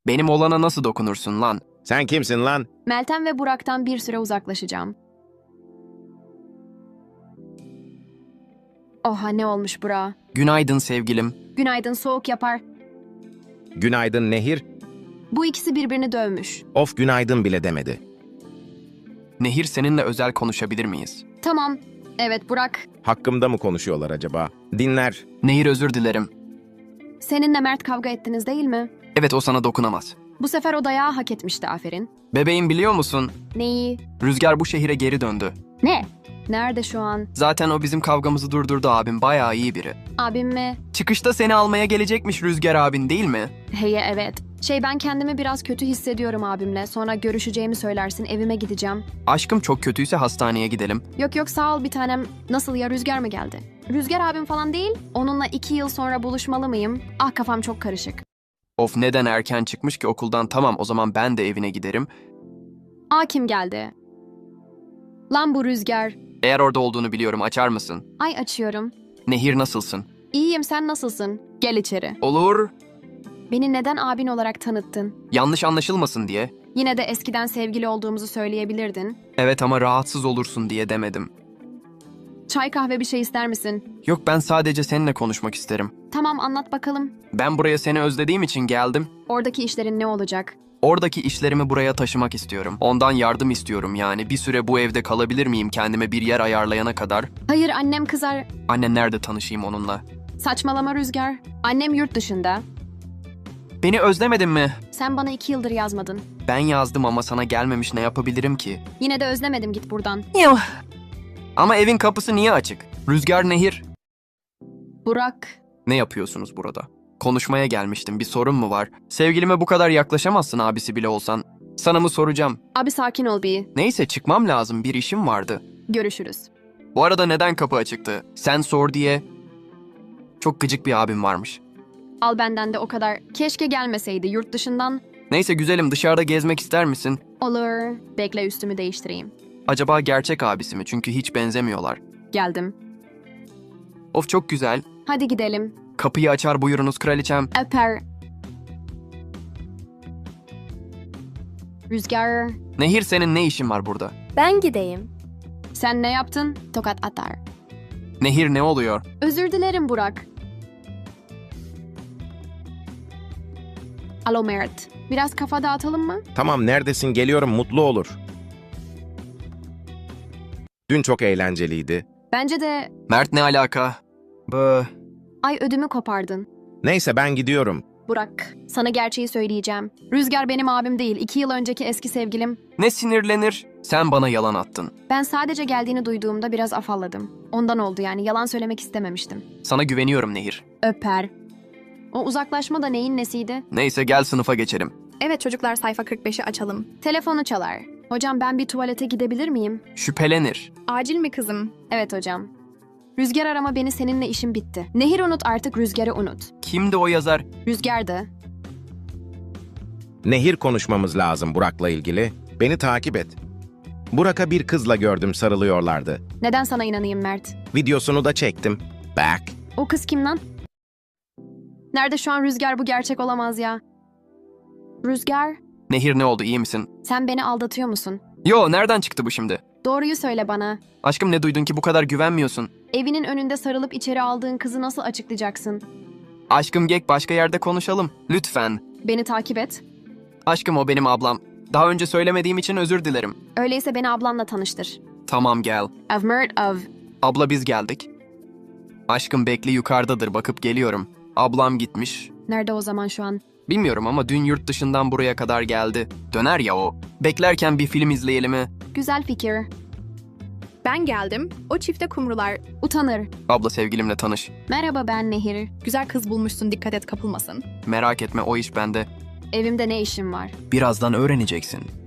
Benim olana nasıl dokunursun lan? Sen kimsin lan? Meltem ve Burak'tan bir süre uzaklaşacağım. Oha ne olmuş Burak'a? Günaydın sevgilim. Günaydın soğuk yapar. Günaydın Nehir. Bu ikisi birbirini dövmüş. Of günaydın bile demedi. Nehir seninle özel konuşabilir miyiz? Tamam. Evet Burak. Hakkımda mı konuşuyorlar acaba? Dinler. Nehir özür dilerim. Seninle Mert kavga ettiniz değil mi? Evet o sana dokunamaz. Bu sefer o dayağı hak etmişti aferin. Bebeğim biliyor musun? Neyi? Rüzgar bu şehire geri döndü. Ne? Nerede şu an? Zaten o bizim kavgamızı durdurdu abim. Bayağı iyi biri. Abim mi? Çıkışta seni almaya gelecekmiş Rüzgar abin değil mi? Heye evet. Ben kendimi biraz kötü hissediyorum abimle. Sonra görüşeceğimi söylersin evime gideceğim. Aşkım çok kötüyse hastaneye gidelim. Yok sağ ol bir tanem. Nasıl ya Rüzgar mı geldi? Rüzgar abim falan değil. Onunla 2 yıl sonra buluşmalı mıyım? Ah kafam çok karışık. Of neden erken çıkmış ki okuldan? Tamam o zaman ben de evine giderim. Kim geldi? Lan bu Rüzgar. Eğer orada olduğunu biliyorum açar mısın? Ay açıyorum. Nehir nasılsın? İyiyim sen nasılsın? Gel içeri. Olur. Beni neden abin olarak tanıttın? Yanlış anlaşılmasın diye. Yine de eskiden sevgili olduğumuzu söyleyebilirdin. Evet ama rahatsız olursun diye demedim. Çay kahve bir şey ister misin? Yok ben sadece seninle konuşmak isterim. Tamam anlat bakalım. Ben buraya seni özlediğim için geldim. Oradaki işlerin ne olacak? Oradaki işlerimi buraya taşımak istiyorum. Ondan yardım istiyorum yani. Bir süre bu evde kalabilir miyim kendime bir yer ayarlayana kadar? Hayır annem kızar. Anne nerede tanışayım onunla? Saçmalama Rüzgar. Annem yurt dışında. Beni özlemedin mi? Sen bana 2 yıldır yazmadın. Ben yazdım ama sana gelmemiş ne yapabilirim ki? Yine de özlemedim git buradan. Yuh. Ama evin kapısı niye açık? Rüzgar Nehir. Burak. Ne yapıyorsunuz burada? Konuşmaya gelmiştim. Bir sorun mu var? Sevgilime bu kadar yaklaşamazsın abisi bile olsan. Sana mı soracağım? Abi sakin ol bir. Neyse çıkmam lazım. Bir işim vardı. Görüşürüz. Bu arada neden kapı açıktı? Sen sor diye. Çok gıcık bir abim varmış. Al benden de o kadar. Keşke gelmeseydi yurt dışından. Neyse güzelim dışarıda gezmek ister misin? Olur. Bekle üstümü değiştireyim. Acaba gerçek abisi mi? Çünkü hiç benzemiyorlar. Geldim. Of çok güzel. Hadi gidelim. Kapıyı açar buyurunuz kraliçem. Öper. Rüzgar. Nehir senin ne işin var burada? Ben gideyim. Sen ne yaptın? Tokat atar. Nehir ne oluyor? Özür dilerim Burak. Alo Mert. Biraz kafa dağıtalım mı? Tamam neredesin geliyorum mutlu olur. Dün çok eğlenceliydi. Bence de... Mert ne alaka? Bı. Ay ödümü kopardın. Neyse ben gidiyorum. Burak, sana gerçeği söyleyeceğim. Rüzgar benim abim değil, 2 yıl önceki eski sevgilim. Ne sinirlenir? Sen bana yalan attın. Ben sadece geldiğini duyduğumda biraz afalladım. Ondan oldu yani, yalan söylemek istememiştim. Sana güveniyorum Nehir. Öper. O uzaklaşma da neyin nesiydi? Neyse gel sınıfa geçelim. Evet çocuklar sayfa 45'i açalım. Telefonu çalar. Hocam ben bir tuvalete gidebilir miyim? Şüphelenir. Acil mi kızım? Evet hocam. Rüzgar arama beni seninle işim bitti. Nehir unut artık Rüzgar'ı unut. Kimdi o yazar? Rüzgar'dı. Nehir konuşmamız lazım Burak'la ilgili. Beni takip et. Burak'a bir kızla gördüm sarılıyorlardı. Neden sana inanayım Mert? Videosunu da çektim. Back. O kız kim lan? Nerede şu an Rüzgar, bu gerçek olamaz ya. Rüzgar, Nehir ne oldu iyi misin? sen beni aldatıyor musun? Yo nereden çıktı bu şimdi? Doğruyu söyle bana. Aşkım ne duydun ki bu kadar güvenmiyorsun? Evinin önünde sarılıp içeri aldığın kızı nasıl açıklayacaksın? Aşkım gel başka yerde konuşalım. Lütfen. Beni takip et. Aşkım o benim ablam. Daha önce söylemediğim için özür dilerim. Öyleyse beni ablanla tanıştır. Tamam gel. I've Mert of... Abla biz geldik. Aşkım bekle yukarıdadır bakıp geliyorum. Ablam gitmiş. Nerede o zaman şu an? Bilmiyorum ama dün yurt dışından buraya kadar geldi. Döner ya o. Beklerken bir film izleyelim mi? Güzel fikir. Ben geldim. O çifte kumrular. Utanır. Abla sevgilimle tanış. Merhaba ben Nehir. Güzel kız bulmuşsun dikkat et kapılmasın. Merak etme o iş bende. Evimde ne işim var? Birazdan öğreneceksin.